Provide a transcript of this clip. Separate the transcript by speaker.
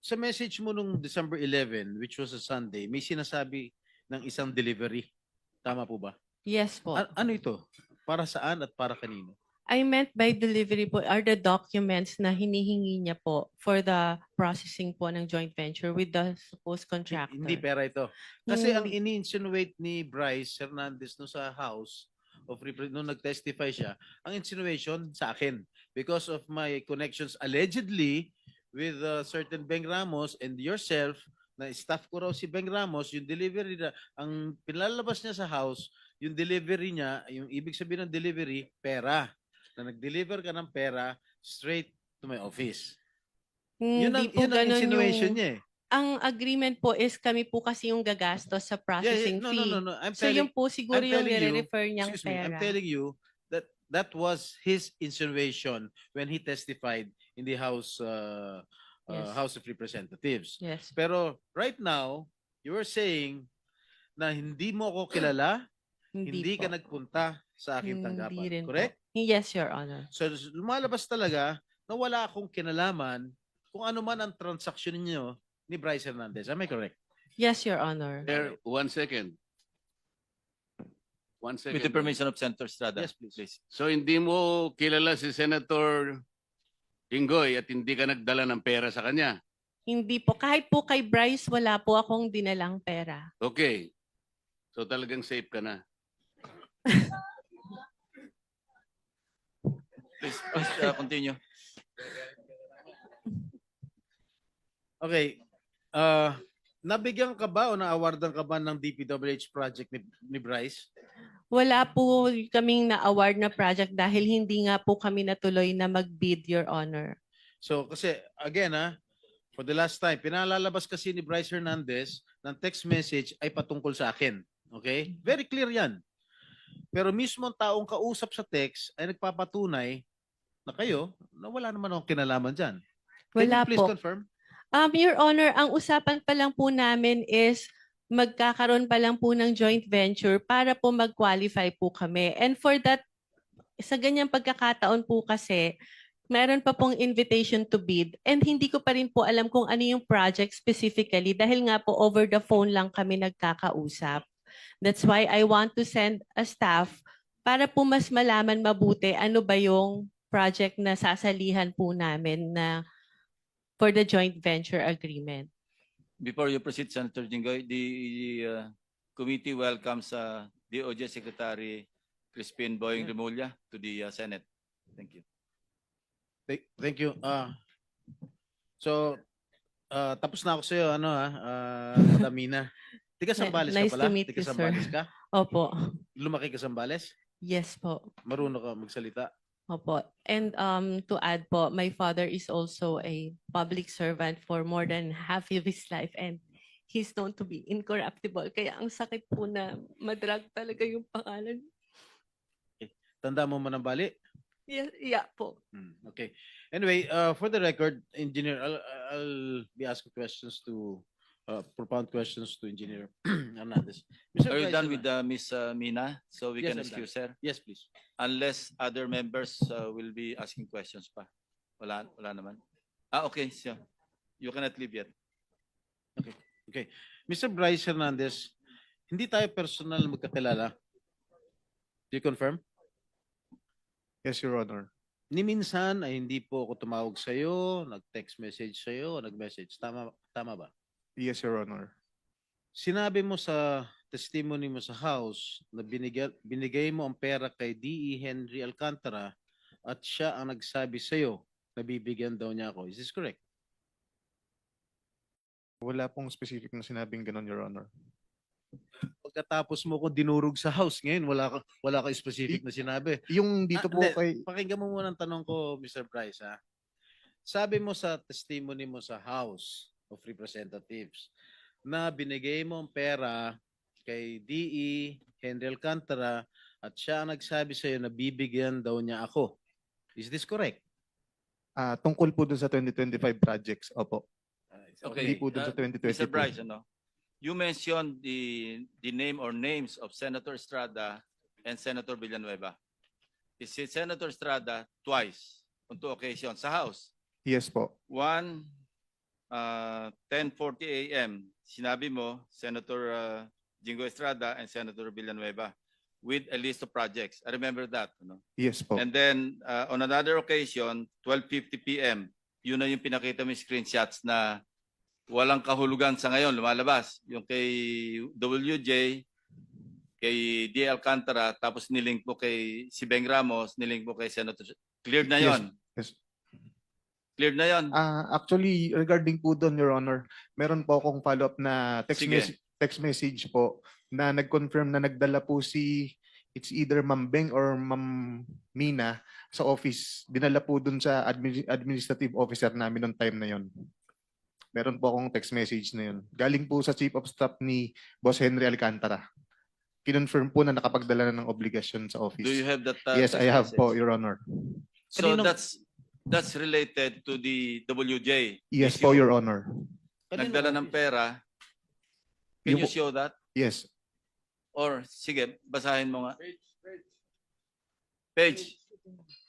Speaker 1: sa message mo nung December 11, which was a Sunday, may sinasabi ng isang delivery. Tama po ba?
Speaker 2: Yes po.
Speaker 1: Ano ito? Para saan at para kanino?
Speaker 2: I meant by delivery po are the documents na hinihingi niya po for the processing po ng joint venture with the supposed contractor.
Speaker 1: Hindi pera ito. Kasi ang
Speaker 2: Hindi.
Speaker 1: ini-insinuate ni Bryce Hernandez no sa House of nung nag-testify siya, ang insinuation sa akin because of my connections allegedly with certain Beng Ramos and yourself na staff ko raw si Beng Ramos, yung delivery na, ang pinalabas niya sa house, yung delivery niya, yung ibig sabihin ng delivery, pera. Na nag-deliver ka ng pera straight to my office.
Speaker 2: Hindi po
Speaker 1: Yun ang
Speaker 2: ganun
Speaker 1: insinuation
Speaker 2: yung...
Speaker 1: niya eh.
Speaker 2: Ang agreement po is kami po kasi yung gagastos sa processing
Speaker 1: No,
Speaker 2: fee.
Speaker 1: no.
Speaker 2: So yun po siguro yung nire-refer niyang
Speaker 1: Excuse me, I'm
Speaker 2: pera.
Speaker 1: telling you that that was his insinuation when he testified in the
Speaker 2: Yes.
Speaker 1: House of Representatives.
Speaker 2: Yes.
Speaker 1: Pero right now, you are saying na hindi mo ako kilala, hindi
Speaker 2: po.
Speaker 1: ka nagpunta sa aking
Speaker 2: Hindi
Speaker 1: tanggapan.
Speaker 2: rin
Speaker 1: Correct?
Speaker 2: po. Yes, Your Honor.
Speaker 1: So lumalabas talaga na wala akong kinalaman kung ano man ang transaksyon niyo ni Bryce Hernandez. Am I correct?
Speaker 2: Yes, Your Honor.
Speaker 3: There, 1 second. 1 second.
Speaker 4: With the permission of Senator Estrada.
Speaker 1: Yes, please.
Speaker 3: So hindi mo kilala si Senator Inggoy at hindi ka nagdala ng pera sa kanya.
Speaker 2: Hindi po. Kahit po kay Bryce, wala po akong dinalang pera.
Speaker 3: Okay. So talagang safe ka na.
Speaker 4: Please continue.
Speaker 1: Okay. Nabigyan ka ba o na-awardan ka ba ng DPWH project ni Bryce?
Speaker 2: Wala po kaming na-award na project dahil hindi nga po kami natuloy na mag-bid, Your Honor.
Speaker 1: So kasi again for the last time, pinalalabas kasi ni Bryce Hernandez ng text message ay patungkol sa akin. Okay? Very clear yan. Pero mismo ang taong kausap sa text ay nagpapatunay na kayo na wala naman akong kinalaman dyan. Can
Speaker 2: Wala
Speaker 1: you please
Speaker 2: po.
Speaker 1: confirm?
Speaker 2: Your Honor, ang usapan pa lang po namin is magkakaroon pa lang po ng joint venture para po mag-qualify po kami. And for that, sa ganyang pagkakataon po kasi, meron pa pong invitation to bid and hindi ko pa rin po alam kung ano yung project specifically dahil nga po over the phone lang kami nagkakausap. That's why I want to send a staff para po mas malaman mabuti ano ba yung project na sasalihan po namin na for the joint venture agreement.
Speaker 4: Before you proceed, Senator Jinggoy, the committee welcomes DOJ Secretary Crispin Boying Remulla to the Senate. Thank you.
Speaker 1: Thank you. So, tapos na ako sa iyo Madam Mina. Tiga Sambales
Speaker 2: Nice
Speaker 1: ka pala?
Speaker 2: to meet
Speaker 1: Tiga
Speaker 2: you, sir.
Speaker 1: Sambales ka?
Speaker 2: Opo.
Speaker 1: Lumaki ka Sambales?
Speaker 2: Yes po.
Speaker 1: Marunong ka magsalita?
Speaker 2: Opo. And to add po, my father is also a public servant for more than half of his life and he's known to be incorruptible. Kaya ang sakit po na madrag talaga yung pangalan.
Speaker 1: Tanda mo Manambali?
Speaker 2: Yeah po.
Speaker 1: Okay. Anyway, for the record, Engineer, I'll be asking questions to propound questions to Engineer Hernandez. Mr.
Speaker 4: Are you
Speaker 1: Vice
Speaker 4: done
Speaker 1: Chairman.
Speaker 4: with Ms. Mina? So we
Speaker 1: Yes,
Speaker 4: can
Speaker 1: I'm
Speaker 4: excuse her?
Speaker 1: Yes, please.
Speaker 4: Unless other members will be asking questions pa. Wala naman. Okay. So you cannot leave yet.
Speaker 1: Okay. Mr. Bryce Hernandez, hindi tayo personal magkakilala. Do you confirm?
Speaker 5: Yes, Your Honor.
Speaker 1: Ni minsan ay hindi po ako tumawag sa iyo, nag-text message sa iyo, nag-message. Tama ba?
Speaker 5: Yes, Your Honor.
Speaker 1: Sinabi mo sa testimony mo sa house na binigay mo ang pera kay D.E. Henry Alcantara at siya ang nagsabi sa iyo na bibigyan daw niya ako. Is this correct?
Speaker 5: Wala pong specific na sinabing ganun, Your Honor.
Speaker 1: Pagkatapos mo ko dinurog sa house ngayon, wala ka specific na sinabi.
Speaker 5: Yung dito po
Speaker 1: Hindi.
Speaker 5: kay...
Speaker 1: Pakinggan mo muna ang tanong ko, Mr. Bryce. Sabi mo sa testimony mo sa House of Representatives na binigay mo ang pera kay D.E. Henry Alcantara at siya ang nagsabi sa iyo na bibigyan daw niya ako. Is this correct?
Speaker 5: Tungkol po dun sa 2025 projects. Opo.
Speaker 4: Okay.
Speaker 5: Hindi po dun sa 2022.
Speaker 4: Mr. Bryce, you mentioned the name or names of Senator Estrada and Senator Villanueva. Is it Senator Estrada twice on 2 occasions sa House?
Speaker 5: Yes po.
Speaker 4: One 10:40 a.m., sinabi mo, Senator Jingo Estrada and Senator Villanueva, with a list of projects. I remember that. No?
Speaker 5: Yes po.
Speaker 4: And then, on another occasion, 12:50 p.m., yun na yung pinakita mo yung screenshots na walang kahulugan sa ngayon, lumalabas. Yung kay WJ, kay D. Alcantara, tapos nilink mo kay si Beng Ramos, nilink mo kay Senator. Cleared na yon.
Speaker 5: Yes.
Speaker 4: Cleared na yon.
Speaker 5: Actually, regarding po doon, Your Honor, meron po akong follow-up na
Speaker 4: Sige.
Speaker 5: text message po na nag-confirm na nagdala po it's either Ma'am Beng or Ma'am Mina sa office. Dinala po doon sa administrative officer namin noong time na yon. Meron po akong text message na yun. Galing po sa Chief of Staff ni Boss Henry Alcantara. Kinonfirm po na nakapagdala na ng obligasyon sa office.
Speaker 4: Do you have that?
Speaker 5: Yes,
Speaker 4: text
Speaker 5: I have
Speaker 4: message?
Speaker 5: po, Your Honor.
Speaker 4: So
Speaker 1: Kanino-
Speaker 4: that's related to the WJ.
Speaker 5: Yes
Speaker 4: issue.
Speaker 5: po, Your Honor.
Speaker 4: Nagdala ng pera. Can you show that?
Speaker 5: Yes.
Speaker 4: Or, sige, basahin mo nga. Page.